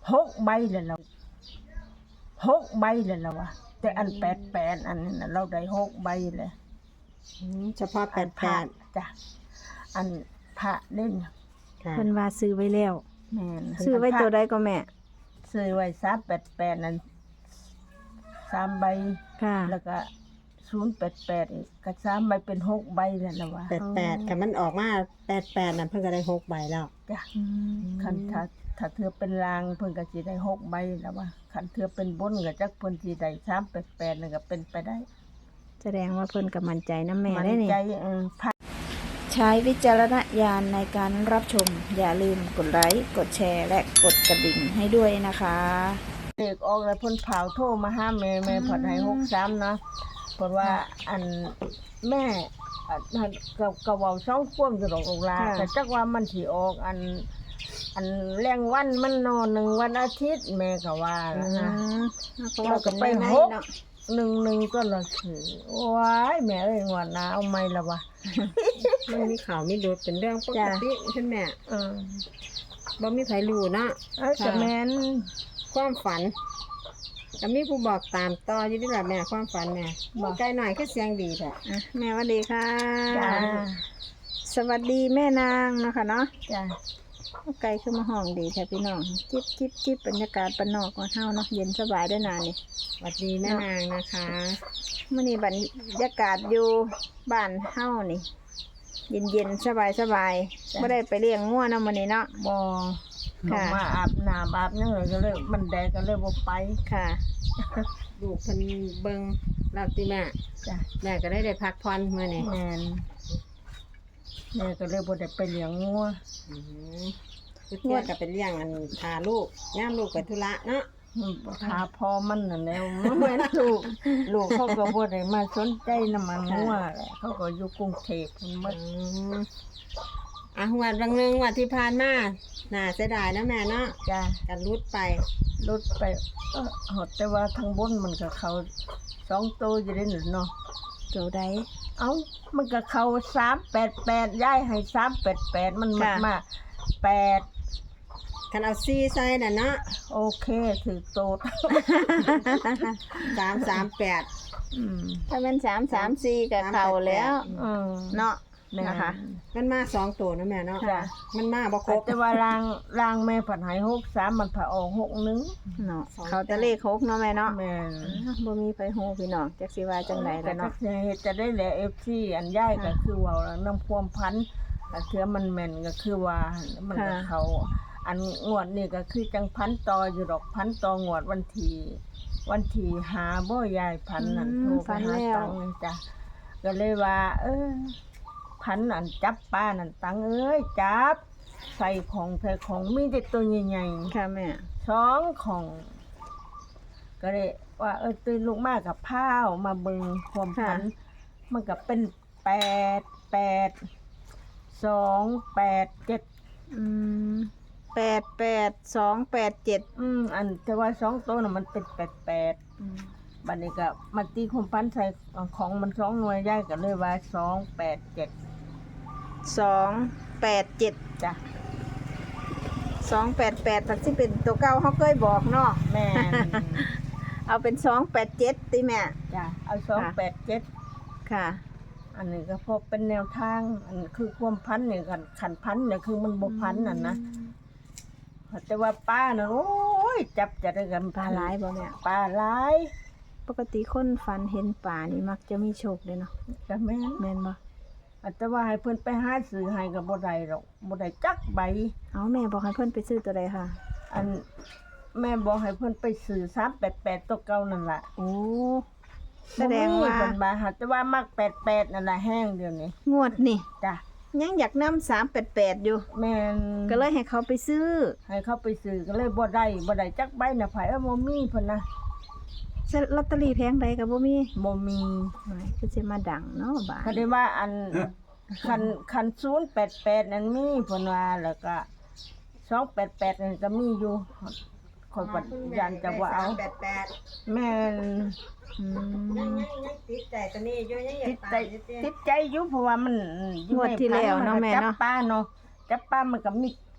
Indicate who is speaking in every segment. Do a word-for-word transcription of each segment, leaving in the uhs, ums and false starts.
Speaker 1: หกใบเลยเราหกใบเลยเราวะแต่อันแปดแปดอันนี้นะเราได้หกใบเลย
Speaker 2: อืมเฉพาะแปดแปด
Speaker 1: จ้ะอันพระเล่น
Speaker 2: ค่ะ
Speaker 3: เพิ่นว่าซื้อไว้แล้ว
Speaker 1: แม่น
Speaker 3: ซื้อไว้ตัวใดก็แม่
Speaker 1: ซื้อไว้สามแปดแปดนั่นสามใบ
Speaker 3: ค่ะ
Speaker 1: แล้วก็ศูนย์แปดแปดอีกก็สามใบเป็นหกใบเลยละวะ
Speaker 2: แปดแปดค่ะมันออกมาแปดแปดนั่นเพิ่นก็ได้หกใบแล้ว
Speaker 1: จ้ะ
Speaker 3: อืม
Speaker 1: คันถ้าถ้าเธอเป็นลางเพิ่นก็สิได้หกใบแล้ววะคันเธอเป็นบนก็จักเพิ่นสิได้สามแปดแปดนั่นก็เป็นไปได้
Speaker 3: แสดงว่าเพิ่นก็มั่นใจนะแม่
Speaker 1: มัน
Speaker 3: ได้นี่
Speaker 1: ใจเออพระ
Speaker 3: ใช้วิจารณญาณในการรับชม อย่าลืมกดไลค์กดแชร์และกดกระดิ่งให้ด้วยนะคะ
Speaker 1: เด็กออกแล้วเพิ่นเผาโทรมาหาแม่แม่ผ่อนให้หกสามนะเพราะว่าอันแม่อันก็ก็เว้าสองควมอยู่ดอกอกลา
Speaker 3: ค่ะ
Speaker 1: แต่จักว่ามันสิออกอัน อันแรงวันมันนอนหนึ่งวันอาทิตย์แม่ก็ว่า
Speaker 3: อื
Speaker 1: แล้วนะ
Speaker 3: มเราก็ไปหกเนาะ
Speaker 1: หนึ่งหนึ่งก็ละคือว้ายแม่เอ้ยงวดหน้าเอาไหม่ละวะ
Speaker 2: มันมีข่าวมีดูดเป็นเรื่องปกติใช่ไหม
Speaker 1: เออ
Speaker 2: บ่มีไผรู้เนาะ
Speaker 1: เอ้ยแต่แม่น
Speaker 2: ความฝันก็มีผู้บอกตามต่ออยู่นี่แหละแม่ความฝันแม่บอกไกลหน่อยคือเสียงดีแท้
Speaker 3: อ่ะแม่สวัสดีค่ะ
Speaker 1: จ้า
Speaker 3: สวัสดีแม่นางนะคะเนาะ
Speaker 1: จ้า
Speaker 3: ไกลขึ้นมาห้องดีแท้พี่น้อง จิบจิบจิบบรรยากาศบ้านนอกของเฮาเนาะเย็นสบายด้วยนานนี่
Speaker 2: สวัสดีแม่นางนะคะ
Speaker 3: มื้อนี้บรรยากาศอยู่บ้านเฮานี่ เย็นเย็นสบายสบายไม่ได้ไปเลี้ยงงัวเนาะมื้อนี้เนาะ
Speaker 1: บอ
Speaker 3: ค่ะ
Speaker 1: เขามาอาบน้ำอาบยังไงก็เลยมันแดดก็เลยบ่ไป
Speaker 3: ค่ะ
Speaker 2: ลูกเพิ่นเบิ่งแล้วติแม่
Speaker 1: จ้ะ
Speaker 2: แม่ก็ได้ได้พักผ่อนมื้อนี้
Speaker 1: แม่นแม่ก็เลยบ่ได้ไปเลี้ยงงัว
Speaker 2: อืมคือเที่ยก็เป็นเลี้ยงอันพาลูกย่ามลูกไปธุระเนาะ
Speaker 1: อืมพาพ่อมันน่ะแนวมันเหมือนลูกลูกเขาก็บ่ได้มาสนใจน้ำมันงัวแหละเขาก็อยู่กรุงเทพฯพุ่นหม
Speaker 2: อื
Speaker 1: ด
Speaker 2: มอ่ะงวันบางหนึงงวันที่ผ่านมาน่าเสียดายนะแม่เนาะ
Speaker 1: จ้ะ
Speaker 2: กันรุดไป
Speaker 1: รถไปเออหดแต่ว่าทางบนมันก็เขาสองตัวอยู่ได้หนึ่งเนาะ
Speaker 3: เจ้าใด
Speaker 1: เอ้ามันก็เขาสามแปดแปดย้ายให้สามแปดแปดมันมา
Speaker 3: ค่ะ
Speaker 1: มาแปด
Speaker 2: คันเอาซีใส่น่ะเนาะ
Speaker 1: โอเคถือโตด
Speaker 2: สามสามแปด
Speaker 1: อืม
Speaker 3: ถ้าเป็นสามสามสี่กับเขาแล้ว
Speaker 1: อืม
Speaker 3: เนาะ
Speaker 1: แม่
Speaker 3: นะคะ
Speaker 2: มันมาสองตัวนะแม่เนาะ
Speaker 1: จ้ะ
Speaker 2: มันมาบ่ครบ
Speaker 1: แต่ว่ารางรางแม่ผัดหายหกสามมันผ่าออกหกหนึ่ง
Speaker 3: เนาะเขาจะเลขหกเนาะแม่เนาะ
Speaker 1: แม่น
Speaker 3: บ่มีไผฮู้พี่น้องจักสิว่าจังได
Speaker 1: แต่
Speaker 3: แล้ว
Speaker 1: ก็
Speaker 3: เนาะ
Speaker 1: จะได้แหละเอฟซีอันย่ายก็
Speaker 3: ค่ะ
Speaker 1: คือว่าน้ำพวมพันธุ์แต่เทือมันแม่นก็คือว่ามันก็
Speaker 3: ค่ะ
Speaker 1: เขา อันงวดนี่ก็คือจังพันต่ออยู่ดอกพันต่องวดวันที่วันที่หาบ่ยายพันนั่น
Speaker 3: อืม
Speaker 1: โทรไป
Speaker 3: ฝัน
Speaker 1: หา
Speaker 3: แล้ว
Speaker 1: ตังนี่จ้ะก็เลยว่า เออพันอันจับป้านั่นตังเอ้ยจับ ใส่ของใส่ของมีแต่ตัวใหญ่
Speaker 3: ค่ะแม่
Speaker 1: ๆสองของ ก็เลยว่า เออตื่นลูกมากกับพ้าวมาเบิงความพัน มันก็เป็นแปดแปดสองแปดเจ็ด
Speaker 3: อืมแปดแปดสองแปดเจ็ด
Speaker 1: อืมอันแต่ว่าสองตัวน่ะมันเป็นแปดแปดบัดนี้ก็มาตีคุมพันใส่ของมันสองหน่วยย่ายก็เลยว่าสองแปดเจ็ด
Speaker 3: สองแปดเจ็ด
Speaker 1: จ้ะ
Speaker 3: สองแปดแปดถักที่เป็นตัวเก้าเขาเคยบอกเนาะ
Speaker 1: แม่น
Speaker 3: เอาเป็นสองแปดเจ็ดติแม่
Speaker 1: จ้ะเอาสองแปดเจ็ด
Speaker 3: ค่ะ
Speaker 1: อันนี้ก็พอเป็นแนวทาง อันคือความพันเนี่ยกันขันพันเนี่ยคือมันบ่พันน่ะนะแต่ว่าป้าน่ะโอ้ยจับจะได้กัน
Speaker 3: ปลาหลายบ่แม่
Speaker 1: ปลาหลาย
Speaker 3: ปกติคนฝันเห็นป่านี่มักจะมีโชคเลยเนาะ
Speaker 1: ก็แม่น
Speaker 3: แม่นบ่
Speaker 1: แต่ว่าให้เพิ่นไปหาซื้อให้ก็บ่ได้หรอกบ่ได้จักใบ
Speaker 3: เอาแม่บอกให้เพิ่นไปซื้อตัวใดค่ะ
Speaker 1: อันแม่บอกให้เพิ่นไปซื้อสามแปดแปดตัวเก่านั่นล่ะ
Speaker 3: โอ้แสดงว่า
Speaker 1: บ่มีเพิ่นมาหาแต่ว่ามักแปดแปดนั่นล่ะแห้งเดี๋ยวนี้
Speaker 3: งวดนี่
Speaker 1: จ้ะ
Speaker 3: ยังอยากนำสามแปดแปดอยู่
Speaker 1: แม่น
Speaker 3: ก็เลยให้เขาไปซื้อ
Speaker 1: ให้เขาไปซื้อก็เลยบ่ได้บ่ได้จักใบน่ะไผเอ้อบ่มีเพิ่นนะ
Speaker 3: ลอตเตอรี่แพงใดก็บ่มี
Speaker 1: บ่มี
Speaker 3: หมายคือสิมาดังเนาะบาด
Speaker 1: เขาได้ว่าอันคันคันศูนย์แปดแปดนั่นมีเพิ่นว่าแล้วก็สองแปดแปดนั่นก็มีอยู่คอยปัดยันจะว่าเอา
Speaker 2: แปดแปด
Speaker 1: แม่น
Speaker 3: อื
Speaker 2: ยัง
Speaker 3: ม
Speaker 2: ยังยังติดใจตัวนี้อยู่ยังอยา
Speaker 1: ติ
Speaker 2: ก
Speaker 1: ด
Speaker 2: ตา
Speaker 1: ใจ
Speaker 2: ยอยู่ติ
Speaker 1: ติดใจอยู่เพราะว่ามันอยู่
Speaker 3: งวดที่แล้วเนาะ
Speaker 1: ใ
Speaker 3: แม่เนาะ
Speaker 1: จับป้าเนาะจับป้ามันก็มี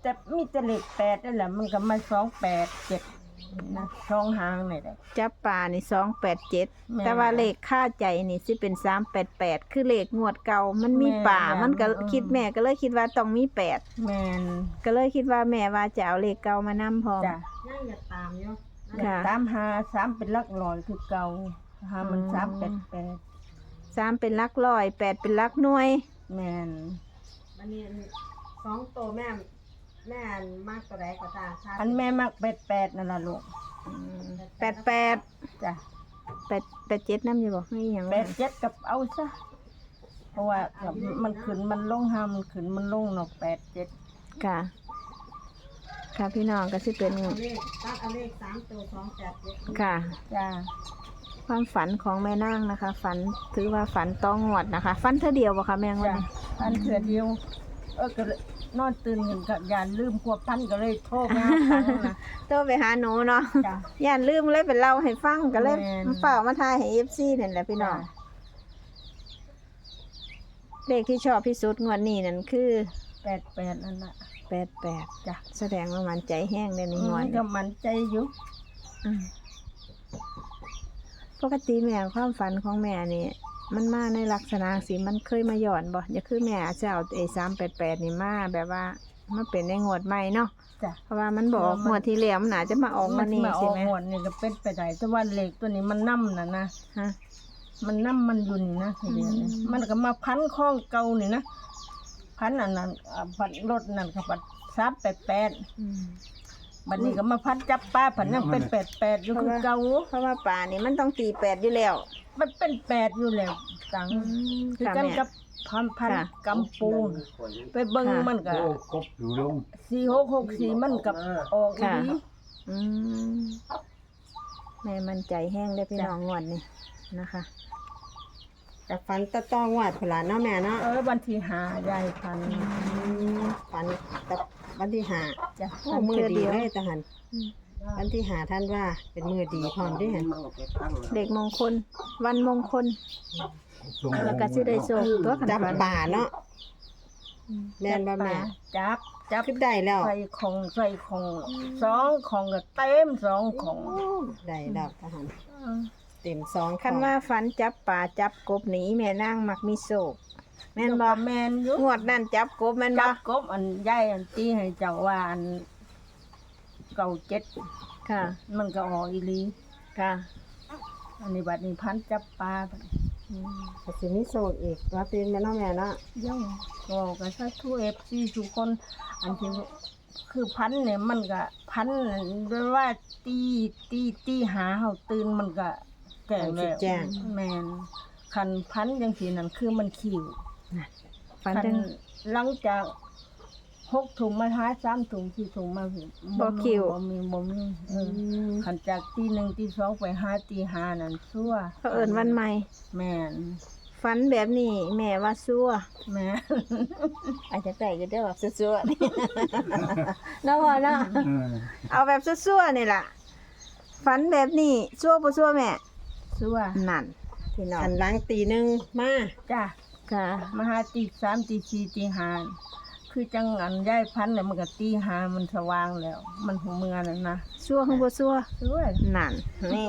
Speaker 1: แต่มีแต่เลขแปดนั่นแหละมันก็มาสองแปดเจ็ดนะช่องหางนี่แหละ
Speaker 3: จับปลานี่สองแปดเจ็ด
Speaker 1: แม่น
Speaker 3: แต่ว่าเลขค่าใจนี่สิเป็นสามแปดแปดคือเลขงวดเก่ามันมี
Speaker 1: แม่น
Speaker 3: ป่ามันก็
Speaker 1: อืม
Speaker 3: คิดแม่ก็เลยคิดว่าต้องมีแปด
Speaker 1: แมน
Speaker 3: ก็เลยคิดว่าแม่ว่าจะเอาเลขเก่ามานำพร้อม
Speaker 1: จ้ะ
Speaker 2: ยังอยากตามอยู่
Speaker 3: ค่ะ
Speaker 1: ตามหาสามเป็นหลักร้อยคือเก่าหามัน
Speaker 3: อืม
Speaker 1: สามแปดแปด
Speaker 3: สามเป็นหลักร้อยแปดเป็นหลักหน่วย
Speaker 1: แมน
Speaker 2: วันนี้สองตัวแม่แม่มากตัวใดก็ตามค่ะ
Speaker 1: อันแม่มักแปดแปดนั่นล่ะลูก
Speaker 3: แปดแปด
Speaker 1: จ้ะ
Speaker 3: แปดแปดเจ็ดน้ำอยู่บอกไม่อย่าง
Speaker 1: แปดเจ็ดกับเอาซะเพราะว่ามันขึ้นมันลงหามันขึ้นมันลงเนาะแปดเจ็ด
Speaker 3: ค่ะ ค่ะพี่น้องก็สิเป็น
Speaker 2: เอาเลขตัดเอาเลขสามตัวสองแปดเจ็ด
Speaker 3: ค่ะ
Speaker 1: จ้า
Speaker 3: ความฝันของแม่นางนะคะ ฝันถือว่าฝันต้องงวดนะคะ ฝันเท่าเดียวบ่คะแม่งวัน
Speaker 1: จ้ะ
Speaker 3: นี้
Speaker 1: พันเถื่อเดียว เออก็เลยนอนตื่นกันกับยานลืมควบพันก็เลยโทรมาหาพันนะ
Speaker 3: โทรไปหาหนูเนาะ
Speaker 1: จ้ะ
Speaker 3: ย่านลืมเลยเป็นเล่าให้ฟังก็เลย
Speaker 1: แม่น
Speaker 3: มาเฝ้ามาทายให้เอฟซีนั่นแหละพี่น้อง
Speaker 1: จ้ะ
Speaker 3: เลขที่ชอบที่สุดงวดนี้นั่นคือ
Speaker 1: แปดแปดนั่นแหละ
Speaker 3: แปดแปด
Speaker 1: จ้ะ
Speaker 3: แสดงว่ามันใจแห้งในนี้งวด
Speaker 1: มัน
Speaker 3: นี้
Speaker 1: ก็มันใจอยู่
Speaker 3: อืมปกติแม่ความฝันของแม่นี่มันมาในลักษณะสิมันเคยมาหย่อนบ่อย่าคือแม่อาจจะเอาไอ้สามแปดแปดนี่มาแบบว่ามาเป็นในงวดใหม่เนาะ
Speaker 1: จ้ะ
Speaker 3: เพราะว่ามันบอก
Speaker 1: เออมัน
Speaker 3: งวดที่แล้วมันอาจจะมาออก
Speaker 1: มั
Speaker 3: มาน นี่
Speaker 1: มาอ
Speaker 3: ใช่
Speaker 1: อก
Speaker 3: ไหม
Speaker 1: หวดนี่ก็เป็นไปได้แต่ว่าเหล็กตัวนี้มันนั่มนะนะ
Speaker 3: ฮะ
Speaker 1: มันนั่มมันอยู่นี่นะทีเดียวนี่
Speaker 3: อืม
Speaker 1: มันก็มาพันข้องเก่านี่นะพันอันนั้นอ่าพันรถนั่นก็พันสามแปดแปด
Speaker 3: อืม
Speaker 1: บัดนี้ก็มาพันจับป้าผันยังเป็นแปดแปดอยู่คือเก่า
Speaker 3: เพราะว่าป่านี่มันต้องตีแปดอยู่แล้ว
Speaker 1: มันเป็นแปดอยู่แล้วตังคือ
Speaker 3: ค่ะ
Speaker 1: กัน
Speaker 3: แม่
Speaker 1: กับพันพัน
Speaker 3: ค่ะ
Speaker 1: กำปูนไปเบิ่ง
Speaker 3: ค่ะ
Speaker 1: มันก็
Speaker 4: โอ้กบอยู่ลง
Speaker 1: สี่หกหกสี่มันกับออกอี
Speaker 3: ค่ะ
Speaker 1: หลี
Speaker 3: อืมแม่มันใจแห้งได้อพี่
Speaker 1: จ้ะ
Speaker 3: น้องงวดนี่นะคะ
Speaker 2: กับฟันตะต้องวัดผลานเนาะแม่เนาะ
Speaker 1: เออวันที่หายายพัน
Speaker 2: ฟันตะวันที่หา
Speaker 1: จ้ะ
Speaker 2: โอ้มือดีเลยทหาร
Speaker 3: อืม
Speaker 2: วันที่หาท่านว่าเป็นมือดีพร้อมด้วยเห็น
Speaker 3: เด็กมงคล วันมงคล
Speaker 4: ส่ง
Speaker 3: แล้วก็สิได้โชคตัวขัน
Speaker 2: จับ
Speaker 3: ฝัน
Speaker 2: ป่าเนาะแม่นบ่แม่
Speaker 1: จับจับ
Speaker 2: ขึ้นได้แล้ว
Speaker 1: ใส่ของใส่ของสองของก็เต็มสองของ
Speaker 2: ได้แล้วทหาร
Speaker 1: อืม
Speaker 2: เต็มสอง
Speaker 3: คันว่าฝันจับป่าจับกบหนีแม่นางมักมีโศกแม่นบ่
Speaker 1: แมนอยู่
Speaker 3: งวดนั่นจับกบแม่นบ่
Speaker 1: จับกบอันใหญ่อันตีให้เจ้าว่าอันเก่าเจ็ด
Speaker 3: ค่ะ
Speaker 1: มันก็ออกอีหลี
Speaker 3: ค่ะ
Speaker 1: อันนี้บัดนี้พันจับปลาบัด
Speaker 3: อืม
Speaker 2: ก็สิมีโซกอีกว่าเป็นแม่เนาะแม่เนาะ
Speaker 1: ย่องก็กันซะทุเอฟซีทุกคน อันที่คือพันเนี่ยมันก็พันด้วยว่าตีตีตีหาเฮาตื่นมันก็แก่แล้วแมนคันพันจังซี่นั่นคือมันขิว
Speaker 3: ฝัน
Speaker 1: คั
Speaker 3: จัง
Speaker 1: หลังจากหกถุงมาหาสามถุงสี่ถุงมา
Speaker 3: บ่ขิว
Speaker 1: บ่มีบ่มีเออคันจากตีหนึ่งตีสองไปหาตีห้านั่นซั่ว
Speaker 3: เขาเอิ้นวันใหม่
Speaker 1: แม่น
Speaker 3: ฝันแบบนี้แม่ว่าซัว
Speaker 1: แม่น
Speaker 3: อาจจะแต่อยู่ได้แบบซัวๆนี่ เนาะพ่อเนาะ
Speaker 4: เออ
Speaker 3: เอาแบบซัวๆนี่ล่ะฝันแบบนี้ซัวบ่ซัวแม่
Speaker 1: ซั่ว
Speaker 3: นั่นพี่น้อง
Speaker 2: หันหลังตีหนึ่งมา
Speaker 1: จ้ะ
Speaker 3: ค่ะ
Speaker 1: มาหาตีสามตีสี่ตีห้าคือจังอันย้ายพันธุ์เนี่ยมันก็ตีห้ามันสว่างแล้ว มันหัวเมือนั่นนะ
Speaker 3: ซัวของบ่ซัว
Speaker 1: ซั่ว
Speaker 3: นั่นนี่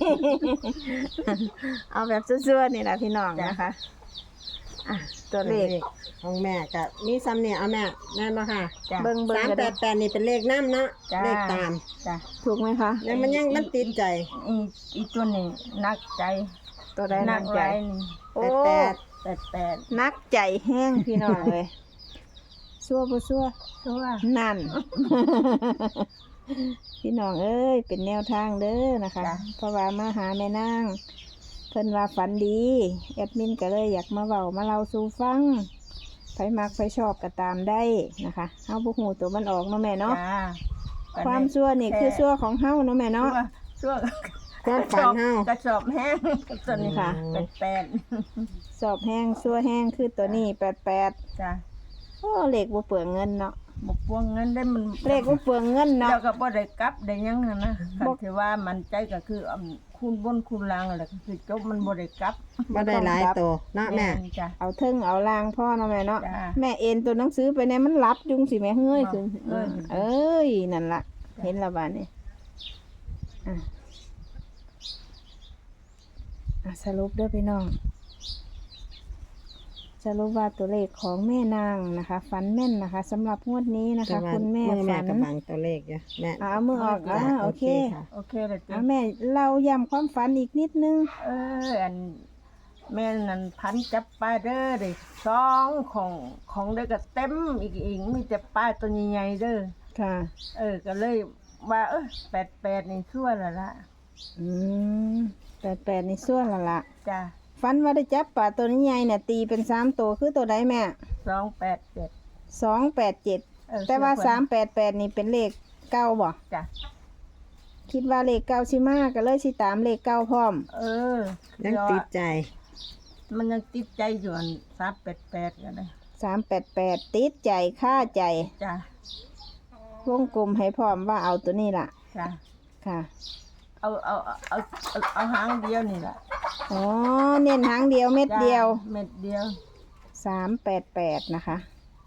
Speaker 3: เอาแบบซัวๆนี่ล่ะพี่น้อง
Speaker 1: จ้ะ
Speaker 3: นะคะอ่ะตัวเลข
Speaker 2: ของแม่กับมีซ้ำเนี่ยเอาแม่แม่นบ่ค่ะ
Speaker 1: จ้ะ
Speaker 3: เบิ่งเบิ่ง
Speaker 2: สาม
Speaker 3: ก็
Speaker 2: แป
Speaker 3: ได้
Speaker 2: ดแปดนี่เป็นเลขน้ำเนาะ
Speaker 1: จ้ะ
Speaker 2: เลขตาม
Speaker 1: จ้ะ
Speaker 3: ถูกไหมคะ
Speaker 2: แล้วมันยังมันติดใจ
Speaker 1: อีอีตัวนี้นักใจ
Speaker 3: ตัวใด
Speaker 1: นั
Speaker 3: นั
Speaker 1: ก
Speaker 3: ก
Speaker 1: ใจ
Speaker 3: ใจ
Speaker 1: นี่
Speaker 3: โอ้
Speaker 2: แปด
Speaker 1: แปดแปด
Speaker 3: นักใจแห้งพี่น้องเลย ซัวบ่ซัว
Speaker 1: ซั่ว
Speaker 3: นั่น พี่น้องเอ้ยเป็นแนวทางเด้อนะคะ เพราะว่ามาหาแม่นางเพิ่นว่าฝันดีแอดมินก็เลยอยากมาเว้ามาเล่าสู่ฟังไผมักไผชอบก็ตามได้นะคะเฮาบ่ฮู้ตัวมันออกเนาะแม่เนาะ
Speaker 1: จ้า
Speaker 3: ความซัวนี่คือซัวของเฮาเนาะแม่เนาะ
Speaker 1: ซั่ว
Speaker 2: ความฝันเฮา
Speaker 1: กระสอบแห้งตัวนี้
Speaker 3: ค่ะ
Speaker 1: แปดแปด
Speaker 3: สอบแห้งซัวแห้งคือตัวนี้แปดแปด
Speaker 1: จ้ะ
Speaker 3: โอ้เลขบ่เปลืองเงินเนาะ
Speaker 1: บ่ปวงเงินได้มัน
Speaker 3: เลขบ่เปลืองเงินเนาะ
Speaker 1: แล้วก็บ่ได้กลับได้หยังหั่นนะ
Speaker 3: บ่
Speaker 1: คันที่ว่ามันใจก็คืออั่นคูณบนคูณล่างนั่นแหละก็คือจบมันบ่ได้กลับ
Speaker 2: บ่ได้หลายโตเนาะแม่
Speaker 1: นจ้ะ
Speaker 3: เอาเทิงเอาลางพ่อเนาะแม่เนาะ
Speaker 1: จ้ะ
Speaker 3: แม่เอ็นตัวหนังสือไปในมันรับจุงสิแม่เฮ้ยขึ้น
Speaker 1: เอ้ย
Speaker 3: เอ้ยนั่นล่ะ เห็นและบาดนี้อ่ะอ่ะสรุปเด้อพี่น้อง สรุปว่าตัวเลขของแม่นางนะคะฝันแม่นนะคะสำหรับงวดนี้นะคะ
Speaker 2: แต่ว่า
Speaker 3: คุณแม่
Speaker 2: มือแม่
Speaker 3: ฝัน
Speaker 2: กับบังตัวเลขอยู่แม่
Speaker 3: เอามือออกอ่าโอเค
Speaker 2: ค่ะ
Speaker 1: โอเคเลยจ้ะ
Speaker 3: เอาแม่เราย้ำความฝันอีกนิดนึง
Speaker 1: เอออันแม่นั่นพันจับปลาเด้อเด้สองของของเด้อก็เต็มอีกอีกมีแต่ปลาตัวใหญ่ๆเด้อ
Speaker 3: ค่ะ
Speaker 1: เออก็เลยว่าเออแปดแปดนี่ชั่วแล้วล่ะ
Speaker 3: อืมแปดแปดในส่วนละละ
Speaker 1: จ้ะ
Speaker 3: ฝันว่าได้จับปลาตัวนี้ใหญ่เนี่ยตีเป็นสามตัวคือตัวใดแม่
Speaker 1: สองแปดเจ็ด
Speaker 3: สองแปดเจ็ด
Speaker 1: เออ
Speaker 3: แต่ว่า
Speaker 1: เชื่อ
Speaker 3: สามแปดแปดนี่เป็นเลขเก้าบ่
Speaker 1: จ้ะ
Speaker 3: คิดว่าเลขเก้าชิมาก็เลยสิตามเลขเก้าพร้อม
Speaker 1: เออ
Speaker 2: ยังติดใจ
Speaker 1: มันยังติดใจอยู่อันสามแปดแปดกันเลย
Speaker 3: สามแปดแปดติดใจค่าใจ
Speaker 1: จ้ะ
Speaker 3: วงกลมให้พร้อมว่าเอาตัวนี้ล่ะ
Speaker 1: จ้ะ
Speaker 3: ค่ะ
Speaker 1: เอาเอาเอาเอาเอาเอาหางเดียวนี่แหละ
Speaker 3: อ๋อเน้นหางเดียวเม็ด
Speaker 1: จ้ะ
Speaker 3: เดียว
Speaker 1: เม็ดเดียว
Speaker 3: สามแปดแปดนะคะ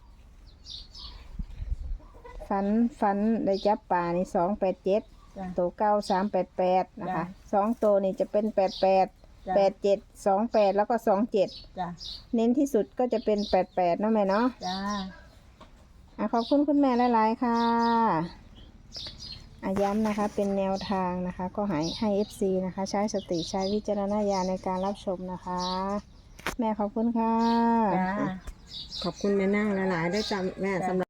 Speaker 3: ฝันฝันได้จับปลานี่สองแปดเจ็ด
Speaker 1: จ้ะ
Speaker 3: ตัวเก้าสามแปดแปดนะคะ
Speaker 1: จ้ะ
Speaker 3: สองตัวนี่จะเป็นแปดแปด
Speaker 1: จ้ะ
Speaker 3: แปดเจ็ดสองแปดแล้วก็สองเจ็ด
Speaker 1: จ้ะ
Speaker 3: เน้นที่สุดก็จะเป็นแปดแปดเนาะแม่เนาะ
Speaker 1: จ้า
Speaker 3: อ่ะขอบคุณคุณแม่หลายๆค่ะอาย้ำนะคะเป็นแนวทางนะคะ ก็ให้ให้ เอฟ ซี นะคะ ใช้สติใช้วิจารณญาณในการรับชมนะคะ แม่ขอบคุณค่ะ
Speaker 1: จ้า
Speaker 2: ขอบคุณแม่นั่งหลายๆด้วยจ้ะแม่สำหรับ